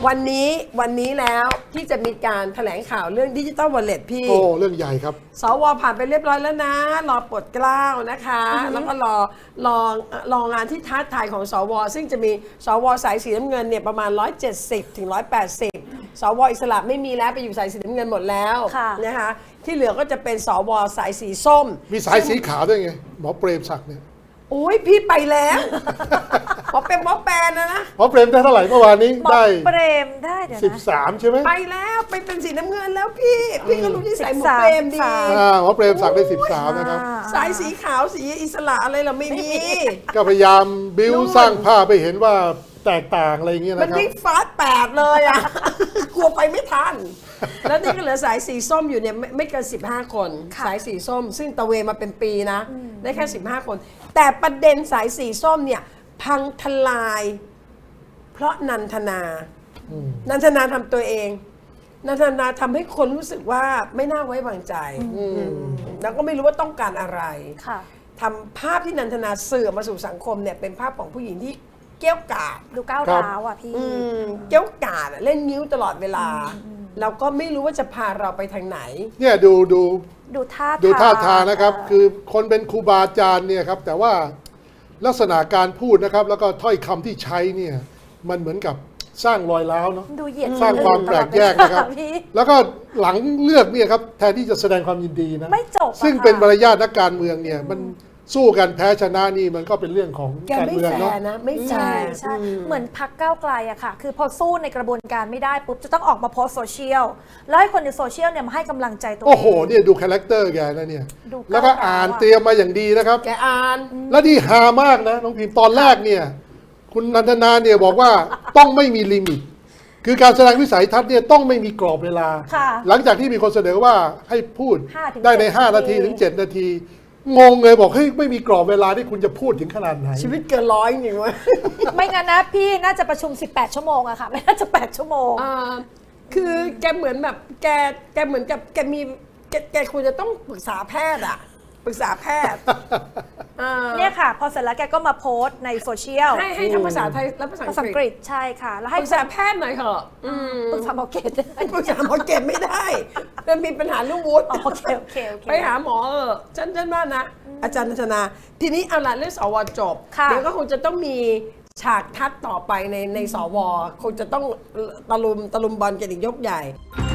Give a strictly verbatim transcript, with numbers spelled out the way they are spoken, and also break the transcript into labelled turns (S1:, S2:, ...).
S1: วันนี้วันนี้แล้วที่จะมีการแถลงข่าวเรื่องดิจิตอลวอลเล็ตพี่
S2: โอ้เรื่องใหญ่ครับ
S1: สวผ่านไปเรียบร้อยแล้วนะ รอปลดเกล้านะคะ แล้วก็รอรอรองานที่ท้าทายของสวซึ่งจะมีสวสายสีน้ำเงินเนี่ยประมาณหนึ่งร้อยเจ็ดสิบถึงหนึ่งร้อยแปดสิบสวอิสระไม่มีแล้วไปอยู่สายสีน้ำเงินหมดแล้วนะคะที่เหลือก็จะเป็นสวสายสีส้ม
S2: มีสายสีขาวด้วยไงหมอเปรมศักดิ์เนี่ย
S1: โอ้ยพี่ไปแล้วหมอเป็นหมอแปนนะนะ
S2: หมอเปรมได้เท่าไหร่เมื่อวานนี้ได้
S3: เปรมได้เดี๋ยวนะ
S2: สิบสามใช่ไหม
S1: ไปแล้วไปเป็นสีน้ำเงินแล้วพี่พี่ก็รู้ที่สายหมอเปรมดี
S2: หมอเปรมศักดิ์ได้สิบสามนะครับ
S1: สายสีขาวสีอิสระอะไรเราไม่มี
S2: ก็พยายามบิ้วสร้างภาพไปเห็นว่าแตกต่างอะไรอย่างเงี้ยนะครับ
S1: มันวิ่งฟาสแปดเลยอ่ะกลัวไปไม่ทันแล้วนี่ก็เหลือสายสีส้มอยู่เนี่ยไม่ไม่เกินสิบห้าคนสายสีส้มซึ่งตะเวนมาเป็นปีนะได้แค่สิบห้าคนแต่ประเด็นสายสีส้มเนี่ยพังทลายเพราะนันทนานันทนาทำตัวเองนันทนาทำให้คนรู้สึกว่าไม่น่าไว้วางใจแล้วก็ไม่รู้ว่าต้องการอะไรทำภาพที่นันทนาสื่อมาสู่สังคมเนี่ยเป็นภาพของผู้หญิงที่เกี้ยวกาด
S3: ดูก้าวร้าวอ่ะพี่
S1: เกี้ยวกาดเล่นนิ้วตลอดเวลาเราก็ไม่รู้ว่าจะพาเราไปทางไหน
S2: เนี่ยดูดู
S3: ดูท่า
S2: ดูท่าทางนะครับคือคนเป็นครูบาอาจารย์เนี่ยครับแต่ว่าลักษณะการพูดนะครับแล้วก็ถ้อยคำที่ใช้เนี่ยมันเหมือนกับสร้างรอยร้าวเนาะสร้างความแปลกแยกนะครับแล้วก็หลังเลือกเนี่ยครับแทนที่จะแสดงความยินดีนะ
S3: ไม่จบ
S2: ซึ่งเป็นมารยาทนักการเมืองเนี่ยมันสู้กันแพ้ชนะนี่มันก็เป็นเรื่องของการเมืองเนาะ
S1: ไม่
S3: ใช่ใช่เหมือนพรรคก้าวไกลอะค่ะคือพอสู้ในกระบวนการไม่ได้ปุ๊บจะต้องออกมาโพสโซเชียลแล้วให้คนในโซเชียลเนี่ยมาให้กำลังใจตัวเอง
S2: โอ้โหเนี่ยดูคาแรคเตอร์แกนะเนี่ยแล้วก็อ่านเตรียมมาอย่างดีนะครับ
S1: แกอ่าน
S2: แล้วนี่ฮามากนะน้องพิมพ์ตอนแรกเนี่ยคุณนันทนาเนี่ยบอกว่าต้องไม่มีลิมิตคือการแสดงวิสัยทัศน์เนี่ยต้องไม่มีกรอบเวลาหลังจากที่มีคนเสนอว่าให้พูดได้ในห้านาทีถึงเจ็ดนาทีงงเลยบอกเฮ้ยไม่มีกรอบเวลาที่คุณจะพูดถึงขนาดไหน
S1: ชีวิตเกินร้อยจริงวะ
S3: ไม่งั้นนะพี่น่าจะประชุมสิบแปดชั่วโมงอะค่ะไม่น่าจะแปดชั่วโมง
S1: คือแกเหมือนแบบแกแกเหมือนกับแกมีแกแกควรจะต้องปรึกษาแพทย์อะปรึกษาแพทย์
S3: เนี่ยค่ะพอเสร็จแล้วแกก็มาโพสต์ในโซเชียล
S1: ให้ให้ทั้งภาษาไทยและภาษาอังกฤษ
S3: ใช่ค่ะแล้ว
S1: ให้ปรึกษาแพทย์หน่อยเถอะ
S3: ปรึกษาหมอเกต
S1: ปรึกษาหมอเกตไม่ได้มันมีปัญหาเรื่องวุฒิ
S3: โอเคโอเค
S1: ไปหาหมอเออฉันฉันว่านะอาจารย์นันทนาทีนี้เอาละเรื่องสวจบเดี๋ยวก็คงจะต้องมีฉากทัดต่อไปในในสวคงจะต้องตะลุมตะลุมบอลกันอีกยกใหญ่